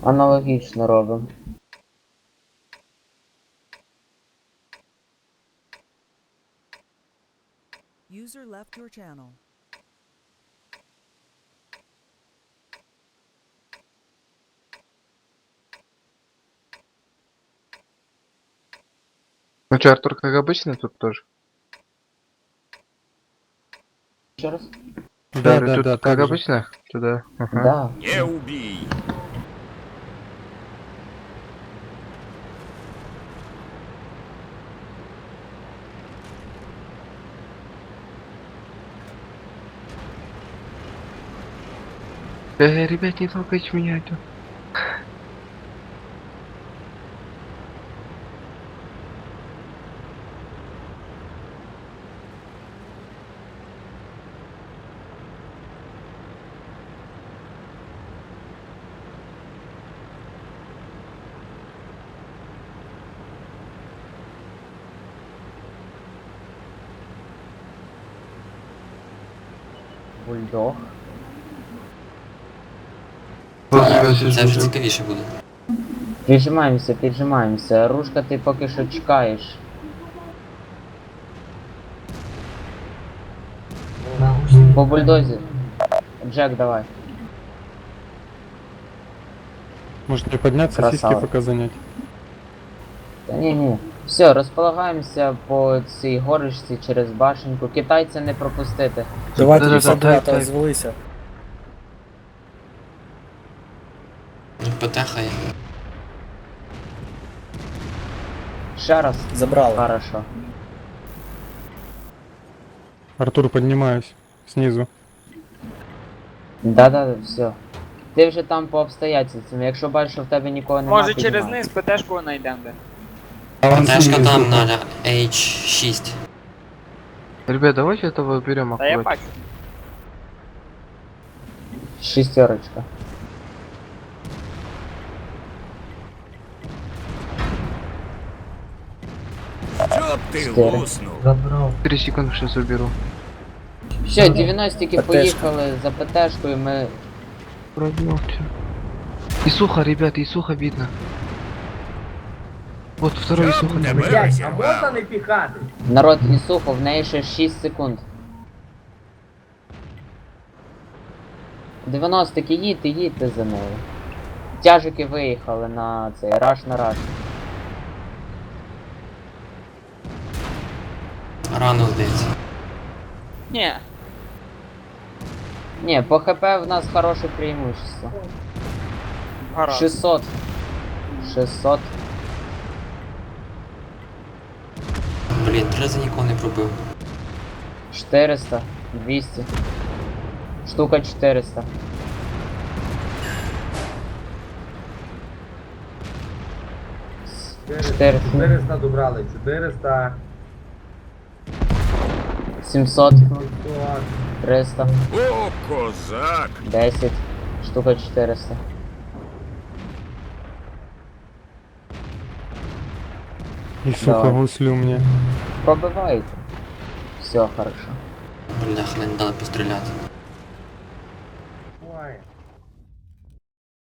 Аналогічно робимо. User left your channel. Ну чё, Артур, как обычно, тут тоже? Ще раз? Да, Да, тут да, как так же. обычно? Туда. Ага. Да. Не убий! Ребят, не толкайте меня это. Бульдог. Це вже цікавіше буде. Піджимаємося, піджимаємося. Рушка, ти поки що чекаєш. По бульдозі. Джек, давай. Может не подняться, Красава. сиськи пока занять. Та ні. Все, розполагаємося по цій горочці через башеньку. Китайця не пропустити. Давайте Да-да-да, 52 так. звелися. Потехає. Ще раз. Забрали. Хорошо. Артур, поднимаюсь. Снизу. Да, все. Ти вже там по обстоятельствам. Якщо бачиш, що в тебе нікого немає, Може через низ ПТшку знайдемо де. Потешка там на H6. Ребят, давайте этого берем Та я аккурат. бачу. Шістерочка. Чтоб ты Четыре. луснул! 3 секунды сейчас уберу. Все, 90-ки ПТшка. поїхали за ПТшкою, ми... Пробил всё. И сухо, ребят, и сухо видно. Вот второй и Чтоб сухо. тебе розірвало! Народ, і сухо, в неї ще 6 секунд. 90-ки їдьте за нею. Тяжики виїхали на цей раш на раш. Рано здається. Ні. Ні, по ХП в нас хороше преимущество. Гаразд. 600. 600. Блін, 3 рази нікого не пробив. 400. 200. Штука 400. Чотири. 400 добрали, 400, 700. 500. 300. О, козак! 10. Штука 400. И сука, Давай. гуслю мне. Пробивайте. Все, хорошо. Бляха, не дали постріляти.